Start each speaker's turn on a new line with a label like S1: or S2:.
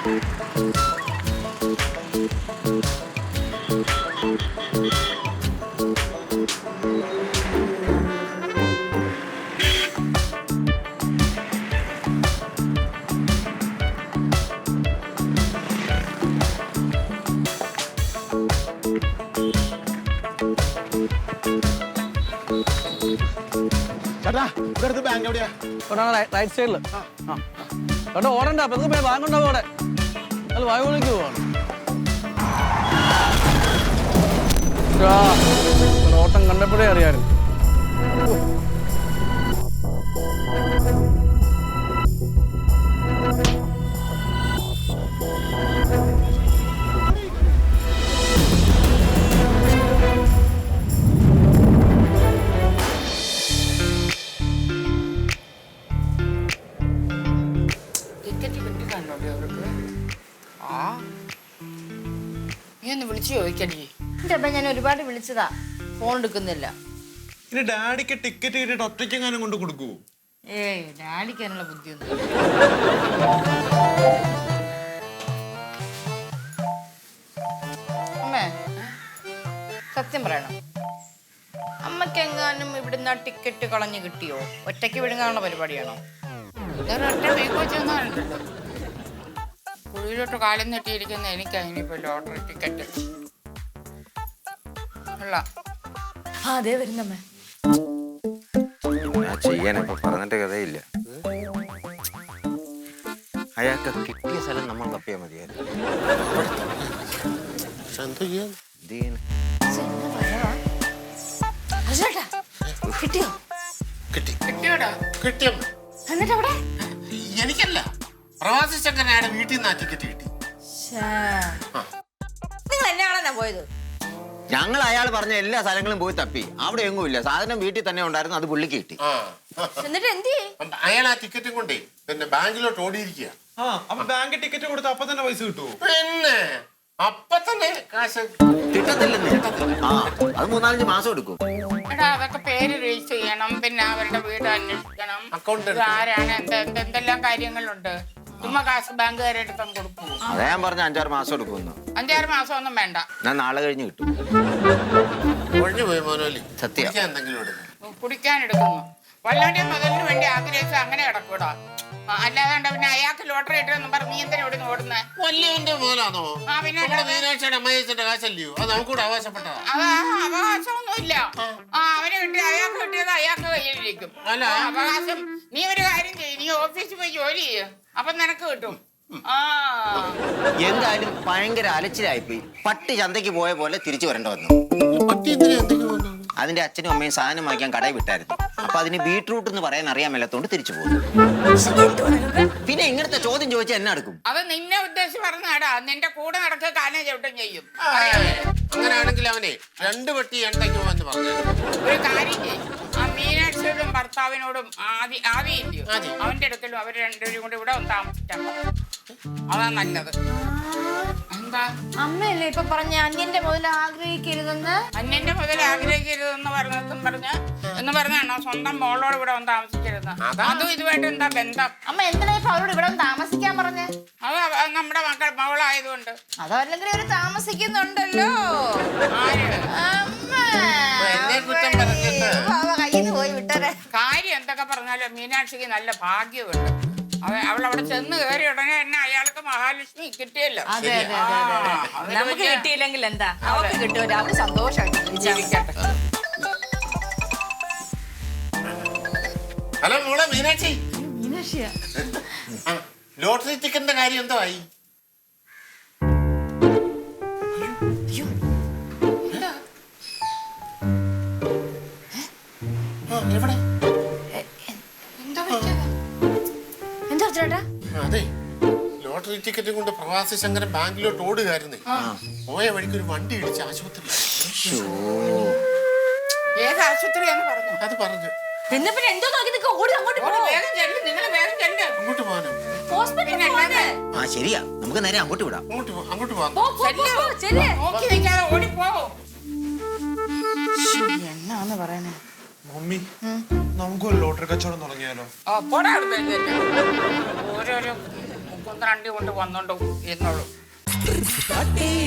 S1: ചേട്ടാ ഇവിടുത്തെ ബാങ്ക് എവിടെയാ?
S2: റൈറ്റ് സൈഡില്. ചേട്ടാ ഓടണ്ട, അപ്പൊ ബാങ്ക് ഉണ്ടാവും അവിടെ. അത് വായുവിളിക്ക് പോവാണ്. ഓട്ടം കണ്ടപ്പോഴേ അറിയാമായിരുന്നു.
S3: വിളിച്ചു ചോദിക്കണേ. എന്റെ അപ്പ ഞാൻ ഒരുപാട് വിളിച്ചതാ, ഫോൺ എടുക്കുന്നില്ല.
S1: ഇനി ഡാഡിക്ക് ടിക്കറ്റ് കിട്ടിയിട്ട് ഒറ്റയ്ക്കെങ്ങാനും കൊണ്ട് കൊടുക്കൂ?
S3: ഏയ് ഡാഡിക്കാനുള്ള ബുദ്ധിയൊന്നും. അമ്മേ സത്യം പറയണം, അമ്മക്കെങ്ങാനും ഇവിടുന്ന് ടിക്കറ്റ് കളഞ്ഞു കിട്ടിയോ? ഒറ്റയ്ക്ക് വിടുങ്ങാനുള്ള പരിപാടിയാണോ? ഒറ്റ വെച്ചൊന്നുണ്ടല്ലോ, കുഴിയിലോട്ട് കാലം നെട്ടിയിരിക്കുന്ന എനിക്ക് അതിനിപ്പോ ലോട്ടറി ടിക്കറ്റ് അല്ല. അതെ വരുന്നമ്മേ.
S4: ചെയ്യാനൊക്കെ പറഞ്ഞിട്ട് കഥയില്ല. അയാൾക്ക് കിട്ടിയ സ്ഥലം നമ്മൾ തപ്പിയാൽ മതിയായിരുന്നു.
S3: കിട്ടിയോ? എന്നിട്ടവിടെ
S5: എനിക്കല്ല, പ്രവാസി ശങ്കരനായ വീട്ടിൽ നിന്ന് ടിക്കറ്റ് കിട്ടി.
S3: നിങ്ങൾ എന്നെയാണോ പോയത്?
S4: ഞങ്ങൾ അയാൾ പറഞ്ഞ എല്ലാ സ്ഥലങ്ങളും പോയി തപ്പി, അവിടെ എങ്ങും ഇല്ല. സാധനം വീട്ടിൽ തന്നെ ഉണ്ടായിരുന്നു, അത് പുള്ളിക്ക് കിട്ടി.
S3: എന്നിട്ട് എന്ത്?
S5: അയാൾ ആ ടിക്കറ്റും കൊണ്ടേ പിന്നെ ബാങ്കിലോട്ട് ഓടിയിരിക്കുക.
S1: അപ്പൊ ബാങ്ക് ടിക്കറ്റ് കൊടുത്ത് അപ്പൊ തന്നെ പൈസ കിട്ടുമോ?
S5: പിന്നെ അപ്പൊ തന്നെ കാശ്
S4: കിട്ടത്തില്ലെന്ന്. അത് 3-4 മാസം എടുക്കും.
S3: അതൊക്കെ പേര് രജിസ്റ്റർ ചെയ്യണം, പിന്നെ അവരുടെ വീട് അന്വേഷിക്കണം,
S5: അക്കൗണ്ട്
S3: ആരാണ്, എന്തെല്ലാം കാര്യങ്ങളുണ്ട്. ചുമ്മാ കാശ് ബാങ്കുകാരെടുത്തും കൊടുക്കും.
S4: അതാ ഞാൻ പറഞ്ഞ 5-6 മാസം എടുക്കുമെന്ന്.
S3: 5-6 മാസം ഒന്നും വേണ്ട,
S4: ഞാൻ നാളെ കഴിഞ്ഞ് കിട്ടും.
S5: ഒഴിഞ്ഞു പോയി മോനോലി.
S4: സത്യം.
S5: എന്തെങ്കിലും എടുക്കും,
S3: കുടിക്കാൻ എടുക്കുന്നു. വല്ലവന്റെ മുതലിന് വേണ്ടി ആഗ്രഹിച്ച് അങ്ങനെ കിടക്കൂടാ. അല്ലാതെ പിന്നെ അയാൾക്ക് ലോട്ടറി ഇട്ടെന്ന് പറഞ്ഞ് നീ എന്തിനാ ഇവിടെ ഓടുന്നേ?
S5: വല്യവന്റെ മോനാണോ?
S3: പിന്നെ
S5: മീനാക്ഷിയുടെ അമ്മയച്ചന്റെ കാശല്ലയോ? അത് നമുക്കൂടെ അവകാശപ്പെട്ടതാ.
S3: അത് അവകാശമൊന്നുമില്ല. അവന് കിട്ടിയ അയാൾക്ക് കിട്ടിയത് അയാൾക്ക് കയ്യിലിരിക്കും.
S5: അല്ല
S3: അവകാശം. നീ ഒരു കാര്യം ചെയ്യും, നീ ഓഫീസിൽ പോയി ജോലി ചെയ്യും, അപ്പൊ നിനക്ക് കിട്ടും.
S4: എന്തായാലും ഭയങ്കര അലച്ചിലായിപ്പോയി. പട്ടി ചന്തയ്ക്ക് പോയ പോലെ തിരിച്ചു വരേണ്ട വന്നു. അതിന്റെ അച്ഛനും അമ്മയും സാധനം വാങ്ങിക്കാൻ കടയിൽ വിട്ടായിരുന്നു. അപ്പൊ അതിന് ബീട്രൂട്ട് എന്ന് പറയാൻ അറിയാൻ മേലാത്തോണ്ട് തിരിച്ചു പോകും. പിന്നെ ഇങ്ങനത്തെ ചോദ്യം ചോദിച്ചാൽ എന്നെ എടുക്കും.
S3: അത് നിന്നെ ഉദ്ദേശിച്ച് പറഞ്ഞാടാ, നിന്റെ കൂടെ നടക്കുക കാലം ചവിട്ടം ചെയ്യും.
S5: അങ്ങനെയാണെങ്കിൽ അവനെ 2 പെട്ടി എണ്ണയ്ക്ക് പോവാന്ന് പറഞ്ഞു.
S3: ഒരു കാര്യം ചെയ്യും, ആ മീനാക്ഷിയോടും ഭർത്താവിനോടും ആദ്യം അവന്റെ അടുക്കലും അവർ രണ്ടുപേരും കൂടെ ഇവിടെ ഒന്ന് താമസിക്കാൻ പറഞ്ഞു. അതാ നല്ലത്. എന്താ അമ്മയല്ലേ ഇപ്പൊ പറഞ്ഞ അന്യന്റെ മുതൽ ആഗ്രഹിക്കരുതെന്ന്? അന്യന്റെ മുതൽ ആഗ്രഹിക്കരുതെന്ന് പറഞ്ഞാണോ സ്വന്തം മോളോട് ഇവിടെ വന്ന് താമസിക്കരുത്? അതും ഇതുമായിട്ട് എന്താ ബന്ധം? അമ്മ എന്തിനാ ഇപ്പൊ അവരോട് ഇവിടെ താമസിക്കാൻ പറഞ്ഞേ? അത് നമ്മുടെ മകളായതുകൊണ്ട്. അതല്ലെങ്കിൽ അവര് താമസിക്കുന്നുണ്ടല്ലോ. കാര്യം എന്തൊക്കെ പറഞ്ഞാലും മീനാക്ഷിക്ക് നല്ല ഭാഗ്യമുണ്ട്. അവളവിടെ ചെന്ന് കയറി ഉടനെ തന്നെ അയാൾക്ക് മഹാലക്ഷ്മി കിട്ടിയല്ലോ.
S6: നമുക്ക് കിട്ടിയില്ലെങ്കിൽ എന്താ, അവർക്ക് കിട്ടുമല്ലോ, അവര് സന്തോഷമായിട്ട് ജീവിക്കട്ടെ.
S5: ഹലോ മോളെ മീനാക്ഷി.
S3: മീനാക്ഷിയാ?
S5: ലോട്ടറി ടിക്കറ്റിന്റെ കാര്യം എന്തോ ആയി? എവിടെ? അതെ, ലോട്ടറി ടിക്കറ്റ് കൊണ്ട് പ്രവാസി ശങ്കരൻ ബാങ്കിലോട്ട് ഓടുകയായിരുന്നേ. പോയ വഴിക്ക് ഒരു വണ്ടി ഇടിച്ച് ആശുപത്രി.
S3: ഏത് ആശുപത്രിയാന്ന് പറഞ്ഞു?
S5: അത് പറഞ്ഞു.
S6: പിന്നെ പിന്നെ എന്തോ നോക്കി നിൽക്കുക, ഓടി അങ്ങോട്ട്
S3: വേഗം ചെല്ല്, നിങ്ങൾ വേഗം ചെല്ല്.
S5: അങ്ങോട്ട് പോകാനോ?
S4: ശരിയാ, നമുക്ക് നേരെ അങ്ങോട്ട് വിടാം.
S5: അങ്ങോട്ട് പോകാം.
S3: നോക്കി നിൽക്കാതെ ഓടിപ്പോ. എന്നാന്ന് പറയണേ
S1: മമ്മി, നമുക്കൊരു ലോട്ടറി കച്ചവടം തുടങ്ങിയാലോ?
S3: ഓരോരോ കുന്ത്രണ്ടി കൊണ്ട് വന്നോണ്ടോ എന്നോളൂ